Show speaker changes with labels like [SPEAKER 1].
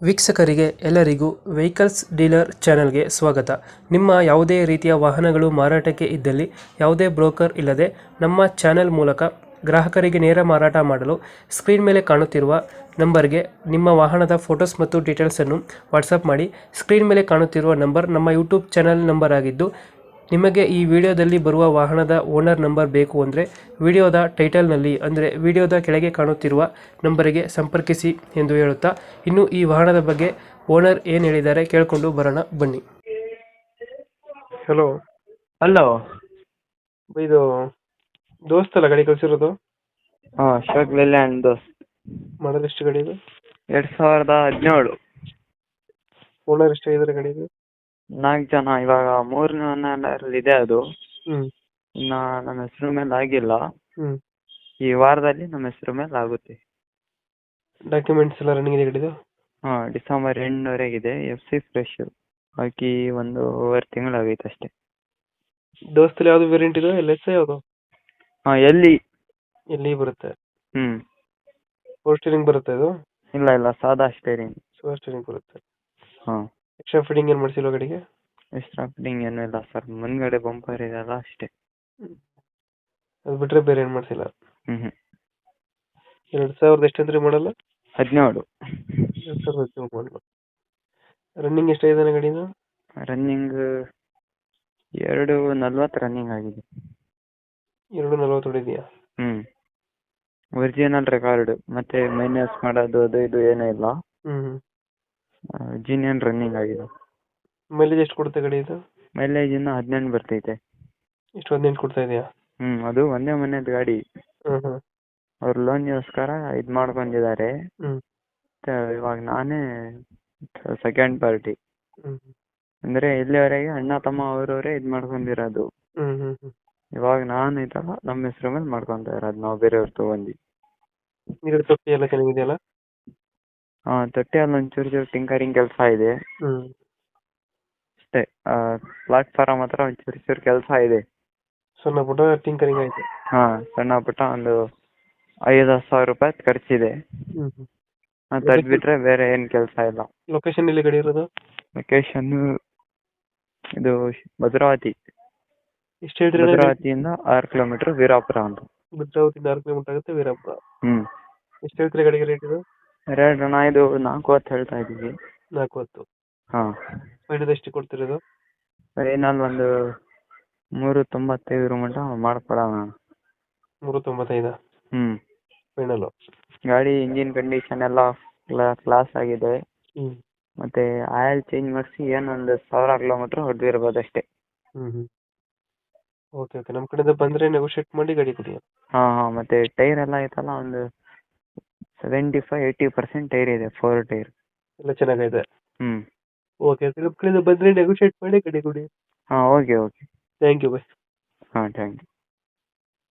[SPEAKER 1] ವೀಕ್ಷಕರಿಗೆ ಎಲ್ಲರಿಗೂ vehicles dealer ಚಾನೆಲ್ಗೆ ಸ್ವಾಗತ. ನಿಮ್ಮ ಯಾವುದೇ ರೀತಿಯ ವಾಹನಗಳು ಮಾರಾಟಕ್ಕೆ ಇದ್ದಲ್ಲಿ ಯಾವುದೇ ಬ್ರೋಕರ್ ಇಲ್ಲದೆ ನಮ್ಮ ಚಾನೆಲ್ ಮೂಲಕ ಗ್ರಾಹಕರಿಗೆ ನೇರ ಮಾರಾಟ ಮಾಡಲು ಸ್ಕ್ರೀನ್ ಮೇಲೆ ಕಾಣುತ್ತಿರುವ ನಂಬರ್ಗೆ ನಿಮ್ಮ ವಾಹನದ ಫೋಟೋಸ್ ಮತ್ತು ಡೀಟೇಲ್ಸನ್ನು ವಾಟ್ಸಪ್ ಮಾಡಿ. ಸ್ಕ್ರೀನ್ ಮೇಲೆ ಕಾಣುತ್ತಿರುವ ನಂಬರ್ ನಮ್ಮ ಯೂಟ್ಯೂಬ್ ಚಾನೆಲ್ ನಂಬರ್ ಆಗಿದ್ದು, ನಿಮಗೆ ಈ ವಿಡಿಯೋದಲ್ಲಿ ಬರುವ ವಾಹನದ ಓನರ್ ನಂಬರ್ ಬೇಕು ಅಂದರೆ ವಿಡಿಯೋದ ಟೈಟಲ್ನಲ್ಲಿ ಅಂದರೆ ವಿಡಿಯೋದ ಕೆಳಗೆ ಕಾಣುತ್ತಿರುವ ನಂಬರಿಗೆ ಸಂಪರ್ಕಿಸಿ ಎಂದು ಹೇಳುತ್ತಾ, ಇನ್ನು ಈ ವಾಹನದ ಬಗ್ಗೆ ಓನರ್ ಏನು ಹೇಳಿದ್ದಾರೆ ಕೇಳಿಕೊಂಡು ಬರೋಣ ಬನ್ನಿ. ಹಲೋ.
[SPEAKER 2] ಹಲೋ.
[SPEAKER 1] ಇದು ದೋಸ್ತಲ್ಲ ಗಾಡಿ ಕಳಿಸಿರೋದು?
[SPEAKER 2] ಹಾಂ, ಅಶೋಕ್ ಲೇಲ್ಯಾಂಡ್ ದೋಸ್ತ್.
[SPEAKER 1] ಮಾಡೋದು ಎಷ್ಟು ಗಾಡಿ ಇದು?
[SPEAKER 2] 2017.
[SPEAKER 1] ಓನರ್ ಎಷ್ಟಾಗಿದ್ದಾರೆ ಗಾಡಿದು?
[SPEAKER 2] 4 ಜನ. ಇವಾಗ 3ನೇ ಓನರಲ್ಲಿ ಇದೆ ಅದು.
[SPEAKER 1] ಹ್ಮ್.
[SPEAKER 2] ಇನ್ನು ನಮ್ಮ ಹೆಸರು ಮೇಲೆ ಆಗಿಲ್ಲ.
[SPEAKER 1] ಹ್ಮ್.
[SPEAKER 2] ಈ ವಾರದಲ್ಲಿ ನಮ್ಮ ಹೆಸರು ಮೇಲೆ ಆಗುತ್ತೆ.
[SPEAKER 1] ಡಾಕ್ಯುಮೆಂಟ್ಸ್ ಎಲ್ಲ ರನ್ನಿಂಗ್ ಇದೆ ಗಾಡಿದು?
[SPEAKER 2] ಹಾಂ, ಡಿಸೆಂಬರ್ 8ರವರೆಗಿದೆ. FC ಫ್ರೆಶ್ ಹಾಕಿ 1.5 ತಿಂಗಳಾಗೈತೆ ಅಷ್ಟೇ.
[SPEAKER 1] ದೋಸ್ತಲ್ಲಿ ಯಾವುದು ವೇರಿಯಂಟ್ ಇದೆ? LS ಯಾವುದು?
[SPEAKER 2] ಹಾಂ,
[SPEAKER 1] ಎಲ್ಲಿ ಬರುತ್ತೆ?
[SPEAKER 2] ಹ್ಞೂ.
[SPEAKER 1] ಫೋರ್ ಸ್ಟೀರಿಂಗ್ ಬರುತ್ತೆ ಇದು?
[SPEAKER 2] ಇಲ್ಲ, ಸಾದಾ ಸ್ಟೇರಿಂಗ್.
[SPEAKER 1] ಫೋರ್ ಸ್ಟೀರಿಂಗ್ ಬರುತ್ತೆ.
[SPEAKER 2] ಹಾಂ.
[SPEAKER 1] ಎಕ್ಸ್ಟ್ರಾ ಫಿಟ್ಟಿಂಗ್ ಏನು ಮಾಡಿಸಿಲ್ವ ಗಾಡಿಗೆ?
[SPEAKER 2] ಎಕ್ಸ್ಟ್ರಾ ಫಿಟ್ಟಿಂಗ್ ಏನೂ ಇಲ್ಲ ಸರ್. ಮುಂದ್ಗಡೆ ಬಂಪರ್ ಇದೆಯಲ್ಲ ಅಷ್ಟೇ.
[SPEAKER 1] ಅದು ಬಿಟ್ಟರೆ ಬೇರೆ ಏನು ಮಾಡಿಸಿಲ್ಲ?
[SPEAKER 2] ಹ್ಞೂ.
[SPEAKER 1] 2000 ಎಷ್ಟಂದ್ರೆ ಮಾಡಲ್ಲ?
[SPEAKER 2] 17.
[SPEAKER 1] 2017 ಮಾಡಲ್ಲ. ರನ್ನಿಂಗ್ ಎಷ್ಟಾಗಿದೆ ಗಾಡಿದು?
[SPEAKER 2] ರನ್ನಿಂಗ್ 2:40 ರನ್ನಿಂಗ್ ಆಗಿದೆ.
[SPEAKER 1] 2:40 ಹೊಡಿದೆಯಾ?
[SPEAKER 2] ಹ್ಞೂ. ಒರಿಜಿನಲ್ ರೆಕಾರ್ಡ್, ಮತ್ತೆ ಮೈನಸ್ ಮಾಡೋದು ಅದು ಇದು ಏನೂ ಇಲ್ಲ.
[SPEAKER 1] ಹ್ಮ್.
[SPEAKER 2] ಜೀನಿಯನ್ ರನ್ನಿಂಗ್ ಆಗಿದೆ.
[SPEAKER 1] ಮೈಲೇಜ್ ಎಷ್ಟು ಕೊಡುತ್ತೆ ಗಾಡಿ ಇದು?
[SPEAKER 2] ಮೈಲೇಜ್ ಇನ್ನು 18 ಬರ್ತೈತೆ.
[SPEAKER 1] ಎಷ್ಟು 18 ಕೊಡ್ತಾ ಇದೆಯಾ?
[SPEAKER 2] ಅದು ಒಂದೇ ಮನೆಯದು ಗಾಡಿ.
[SPEAKER 1] ಹ್ಮ್.
[SPEAKER 2] ಅವ್ರು ಲೋನ್ಗೋಸ್ಕರ ಇದು ಮಾಡ್ಕೊಂಡಿದ್ದಾರೆ.
[SPEAKER 1] ಹ್ಮ್.
[SPEAKER 2] ಇವಾಗ ನಾನೇ ಸೆಕೆಂಡ್ ಪಾರ್ಟಿ.
[SPEAKER 1] ಹ್ಮ್.
[SPEAKER 2] ಅಂದರೆ ಇಲ್ಲಿವರೆಗೆ ಅಣ್ಣ ತಮ್ಮ ಅವರವರೇ ಇದು ಮಾಡ್ಕೊಂಡಿರೋದು.
[SPEAKER 1] ಹ್ಮ್.
[SPEAKER 2] ಇವಾಗ ನಾನು ಇದಲ್ಲ ನಮ್ಮ ಹೆಸರು ಮೇಲೆ ಮಾಡ್ಕೊತಾ ಇರೋದು, ನಾವು ಬೇರೆಯವ್ರು ತೊಗೊಂಡು.
[SPEAKER 1] ನೀರು ತೊಟ್ಟಿ ಎಲ್ಲ ಚೆನ್ನಾಗಿದೆಯಲ್ಲ?
[SPEAKER 2] ಹಾಂ, ತೊಟ್ಟಿಯಲ್ಲಿ ಒಂಚೂರು ಟಿಂಕರಿಂಗ್ ಕೆಲಸ ಇದೆ ಅಷ್ಟೇ. ಪ್ಲಾಟ್ಫಾರಮ್ ಹತ್ರ ಒಂಚೂರು ಕೆಲಸ ಇದೆ.
[SPEAKER 1] ಸಣ್ಣ ಪುಟ್ಟ ಟಿಂಕರಿಂಗ್ ಆಯ್ತು?
[SPEAKER 2] ಹಾಂ, ಸಣ್ಣ ಪುಟ್ಟ ಒಂದು 5,000 ರೂಪಾಯಿ ಖರ್ಚಿದೆ. ಅದು ಬಿಟ್ಟರೆ ಬೇರೆ ಏನು ಕೆಲಸ ಇಲ್ಲ.
[SPEAKER 1] ಲೊಕೇಶನ್ ಎಲ್ಲಿ ಗಾಡಿ ಇರೋದು?
[SPEAKER 2] ಲೊಕೇಶನ್ನು ಇದು ಭದ್ರಾವತಿ.
[SPEAKER 1] ಎಷ್ಟು ಹೇಳ್ತೀರಿ?
[SPEAKER 2] ಭದ್ರಾವತಿಯಿಂದ 6 ಕಿಲೋಮೀಟರ್ ವೀರಾಪುರ ಅಂತ.
[SPEAKER 1] ಭದ್ರಾವತಿಯಿಂದ 6 ಕಿಲೋಮೀಟರ್ ಆಗುತ್ತೆ ವೀರಾಪುರ. ಎಷ್ಟು ಹೇಳ್ತೀರಿ ಗಾಡಿಗೆ ರೇಟ್ ಇದು?
[SPEAKER 2] ರೇಟ್ ಅಣ್ಣ ಇದು 4,10 ಹೇಳ್ತಾ ಇದ್ದೀವಿ.
[SPEAKER 1] 4,10. ಹಾಂ. ಫೈನಲ್ ಎಷ್ಟು ಕೊಡ್ತಿರೋದು?
[SPEAKER 2] ಫೈನಲ್ ಒಂದು 3.95 ಮಟ್ಟ ಮಾಡ್ಕೊಡೋಣ.
[SPEAKER 1] 3.95? ಫೈನಲ್.
[SPEAKER 2] ಗಾಡಿ ಇಂಜಿನ್ ಕಂಡೀಷನ್ ಎಲ್ಲ ಕ್ಲಾಸ್ ಆಗಿದೆ. ಮತ್ತೆ ಆಯಿಲ್ ಚೇಂಜ್ ಮಾಡಿಸಿ ಏನೊಂದು 1,000 ಕಿಲೋಮೀಟರ್ ಹೊಡೆದಿರ್ಬೋದು ಅಷ್ಟೇ.
[SPEAKER 1] ಓಕೆ. ನಮ್ಮ ಕಡೆಯಿಂದ ಬಂದರೆ ನೆಗೋಷಿಯೇಟ್ ಮಾಡಿ ಗಾಡಿ ಕೊಡಿ.
[SPEAKER 2] ಹಾಂ. ಮತ್ತೆ ಟೈರ್ ಎಲ್ಲ ಐತಲ್ಲ, ಒಂದು 75-80% ಟೈರ್ ಇದೆ. 4 ಟೈರ್
[SPEAKER 1] ಎಲ್ಲ ಚೆನ್ನಾಗಿದೆ. ಓಕೆ. ನಮ್ಮ ಕಡೆಯಿಂದ ಬಂದರೆ ನೆಗೋಷಿಯೇಟ್ ಮಾಡಿ ಗಾಡಿ ಕೊಡಿ.
[SPEAKER 2] ಹಾಂ, ಓಕೆ.
[SPEAKER 1] Thank you. ಬಾಯ್.
[SPEAKER 2] ಹಾಂ, ಥ್ಯಾಂಕ್ ಯು.